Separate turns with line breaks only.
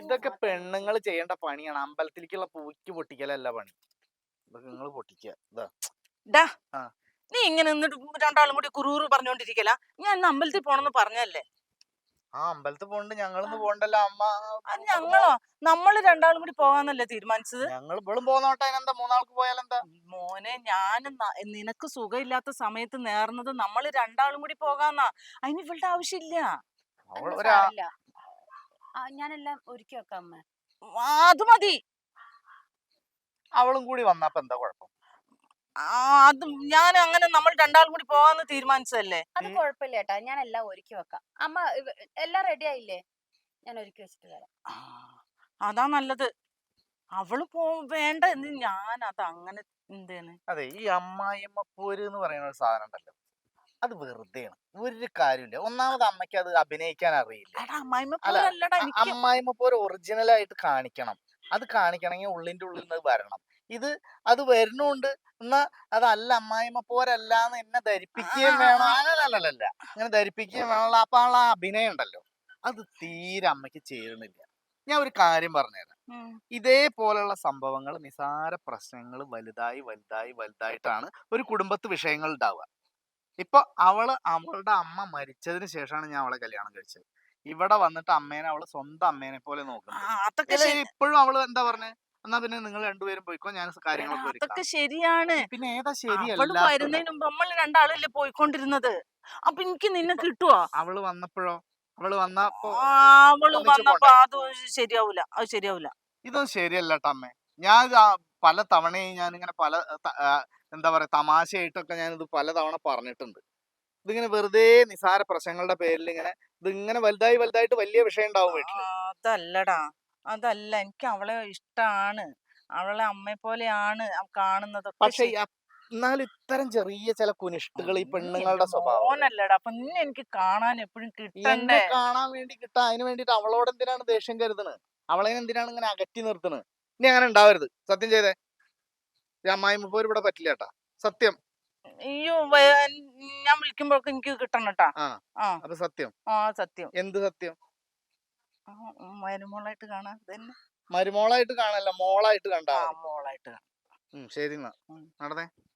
ഇതൊക്കെ പെണ്ണുങ്ങൾ ചെയ്യേണ്ട പണിയാണ്. അമ്പലത്തിലേക്കുള്ള പൂക്ക് പൊട്ടിക്കലല്ല പണി. ഇതൊക്കെ നിങ്ങൾ പൊട്ടിക്കുക. ഇതാ.
ഡാ
ആ.
നീ ഇങ്ങനെ നിന്നിട്ട് രണ്ടാളും കൂടി കുറുകുറു പറഞ്ഞോണ്ടിരിക്കല. ഞാൻ ഇന്ന് അമ്പലത്തിൽ പോണെന്ന് പറഞ്ഞല്ലേ.
ആ അമ്പലത്തിൽ പോണ്ട്, ഞങ്ങളിന്ന് പോണ്ടല്ലോ അമ്മ.
അത് ഞങ്ങളോ? നമ്മള് രണ്ടാളും കൂടി പോകാന്നല്ലേ തീരുമാനിച്ചത്.
ഞങ്ങൾ ഇവളും പോന്നോട്ടെ, അതിനെന്താ, മൂന്നാൾക്ക് പോയാലെന്താ?
മോനെ, ഞാൻ നിനക്ക് സുഖമില്ലാത്ത സമയത്ത് നേർന്നത് നമ്മള് രണ്ടാളും കൂടി പോകാന്നാ. അതിന് ഇവളുടെ ആവശ്യമില്ല.
അവൾ
അല്ല
ഒരാ
സാരല്ല. ഞാനെല്ലാം ഒരുക്കി വെക്കാം അമ്മ.
അത് മതി.
അവളും കൂടി വന്നപ്പോ എന്താ കുഴപ്പം?
അത് ഞാൻ അങ്ങനെ നമ്മൾ രണ്ടാളും കൂടി പോകാന്ന് തീരുമാനിച്ചതല്ലേ.
അത് കുഴപ്പമില്ല ഏട്ടാ, ഞാൻ എല്ലാം ഒരുക്കി വെക്കാം. അമ്മ എല്ലാം റെഡി ആയില്ലേ? ഞാൻ ഒരുക്കി വെച്ചിട്ട് വരാം.
അതാ നല്ലത്. അവള് വേണ്ട എന്ന് ഞാൻ അത് അങ്ങനെ എന്തേന്ന്.
അതെ, ഈ അമ്മായിയമ്മ പോര് എന്ന് പറയുന്ന ഒരു സാധനം ഉണ്ടല്ലോ, അത് വെറുതെയാണ്, ഒരു കാര്യമില്ല. ഒന്നാമത് അമ്മയ്ക്ക് അത് അഭിനയിക്കാൻ അറിയില്ല.
എടാ അമ്മായിമ്മ
അല്ല,
പോരല്ലടാ എനിക്ക്.
അമ്മായിമ്മ പോര് ഒറിജിനൽ ആയിട്ട് കാണിക്കണം. അത് കാണിക്കണമെങ്കിൽ ഉള്ളിന്റെ ഉള്ളിൽ നിന്ന് വരണം. ഇത് അത് വരുന്നുണ്ട്. എന്നാ അതല്ല, അമ്മായിമ്മ പോരല്ലാന്ന് എന്നെ ധരിപ്പിക്കുകയും വേണം. അല്ലല്ല, അങ്ങനെ ധരിപ്പിക്കുകയും വേണമല്ലോ. അപ്പൊ ആ അഭിനയം ഉണ്ടല്ലോ, അത് തീരെ അമ്മയ്ക്ക് ചേരുന്നില്ല. ഞാൻ ഒരു കാര്യം പറഞ്ഞുതരാം. ഇതേപോലുള്ള സംഭവങ്ങൾ, നിസാര പ്രശ്നങ്ങൾ വലുതായി വലുതായി വലുതായിട്ടാണ് ഒരു കുടുംബത്ത് വിഷയങ്ങൾ ഉണ്ടാവുക. ഇപ്പൊ അവളുടെ അമ്മ മരിച്ചതിന് ശേഷമാണ് ഞാൻ അവളെ കല്യാണം കഴിച്ചത്. ഇവിടെ വന്നിട്ട് അമ്മേനെ അവള് സ്വന്തം അമ്മേനെ പോലെ നോക്കുന്നത്.
അതൊക്കെ
ഇപ്പോഴും അവള് എന്താ പറഞ്ഞേ, എന്നാ പിന്നെ നിങ്ങൾ രണ്ടുപേരും പോയിക്കോ, ഞാൻ കാര്യങ്ങളൊക്കെ ഒരുക്കാം.
അതൊക്കെ ശരിയാണ്.
പിന്നെ ഏതാ
അവള്
ശരിയല്ല?
വരുന്നതിന് മുമ്പ് നമ്മൾ രണ്ടാളല്ലേ പോയിക്കൊണ്ടിരുന്നത്. അപ്പൊ എനിക്ക് നിന്നെ കിട്ടുവോ?
അവള് വന്നപ്പോഴോ? അവള് വന്നപ്പോ
അവള്
ഒന്നിച്ച്
വന്നപ്പോ
പോണ്ടേ?
അത് ശരിയാവൂല. അത് ശരിയാവൂല.
ഇതൊന്നും ശരിയല്ല ട്ടോ അമ്മേ. ഞാൻ പല തവണയും ഞാനിങ്ങനെ പല എന്താ പറയാ, തമാശയായിട്ടൊക്കെ ഞാനിത് പലതവണ പറഞ്ഞിട്ടുണ്ട്. ഇതിങ്ങനെ വെറുതെ നിസാര പ്രശ്നങ്ങളുടെ പേരിൽ ഇതിങ്ങനെ വലുതായി വലുതായിട്ട് വലിയ വിഷയം ഉണ്ടാവും വീട്ടില്.
അതല്ലടാ, അതല്ല. എനിക്ക് അവളെ ഇഷ്ടാണ്. അവളെ അമ്മയെ പോലെയാണ് കാണുന്നതൊക്കെ.
പക്ഷെ എന്നാലും ഇത്തരം ചെറിയ ചില കുനിഷ്ടുകൾ ഈ പെണ്ണുങ്ങളുടെ സ്വഭാവം.
മോനല്ലടാ, അപ്പൊ നിന്നെ എനിക്ക് കാണാൻ എപ്പോഴും
എന്നെ
കിട്ടണ്ടേ.
കാണാൻ വേണ്ടി കിട്ടാ, അതിന് വേണ്ടിട്ട് അവളോട് എന്തിനാണ് ദേഷ്യം കരുതണത്? അവളെ എന്തിനാണ് ഇങ്ങനെ അകറ്റി നിർത്തണത്? ഇനി അങ്ങനെ ഉണ്ടാവരുത്. സത്യം ചെയ്തേ. ഈ അമ്മായിമ്മ പോര് ഇവിടെ പറ്റില്ല കേട്ടാ, സത്യം.
അയ്യോ, ഞാൻ വിളിക്കുമ്പോഴൊക്കെ എനിക്ക് കിട്ടണം കേട്ടാ.
ആ,
ആ
അപ്പൊ സത്യം.
സത്യം.
എന്ത് സത്യം?
മരുമോളായിട്ട് കാണാൻ തന്നെ.
മരുമോളായിട്ട് കാണല്ല, മോളായിട്ട് കണ്ടാ മതി.
മോളായിട്ട് കാണാം.
ശരി എന്നാ നടന്നേ.